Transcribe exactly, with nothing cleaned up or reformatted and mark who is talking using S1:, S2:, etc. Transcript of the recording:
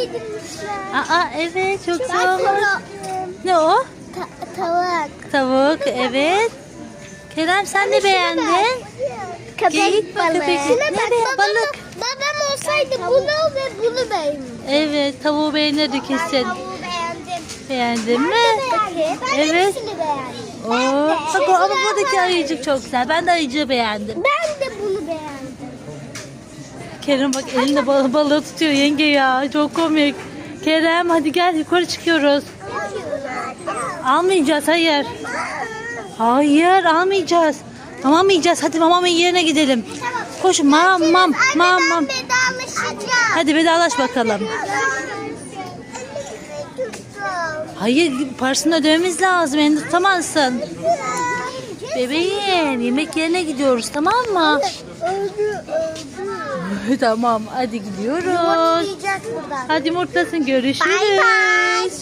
S1: Aa evet, çok güzel
S2: Bak
S1: olmuş.
S2: bunu.
S1: Ne o?
S2: Ta- tavuk.
S1: Tavuk, evet. Kerem sen ne beğendin?
S2: Köpek
S1: Geyik mi,
S2: balığı.
S1: köpek?
S2: Şuna
S1: Ne
S2: bak,
S1: be-
S2: babam,
S1: balık?
S2: babam olsaydı bunu ve bunu beğendim.
S1: Evet, tavuğu beğenirdi kesin.
S2: Tavuğu beğendim.
S1: Beğendin mi?
S2: Bakayım. Ben
S1: Evet.
S2: hepsini beğendim.
S1: Oo, bak o, ama buradaki ayıcık çok güzel. Ben de ayıcığı beğendim.
S2: Ben de bunu beğendim.
S1: Kerem bak elinde bal balığı tutuyor yenge ya. Çok komik. Kerem hadi gel yukarı çıkıyoruz. Almayacağız, hayır. Hayır almayacağız. Tamam mı yiyeceğiz? Hadi mamamın yerine gidelim. Koş mam mam mam mam.
S2: Vedalaşacağım.
S1: Hadi vedalaş bakalım. Hayır parasını ödememiz lazım. Elini tutamazsın. Bebeğim yemek yerine gidiyoruz, tamam mı?
S2: Öldü öldü.
S1: Tamam hadi gidiyoruz.
S2: Yiyeceğiz buradan.
S1: Hadi yumurtlasın, görüşürüz.
S2: Bay bay.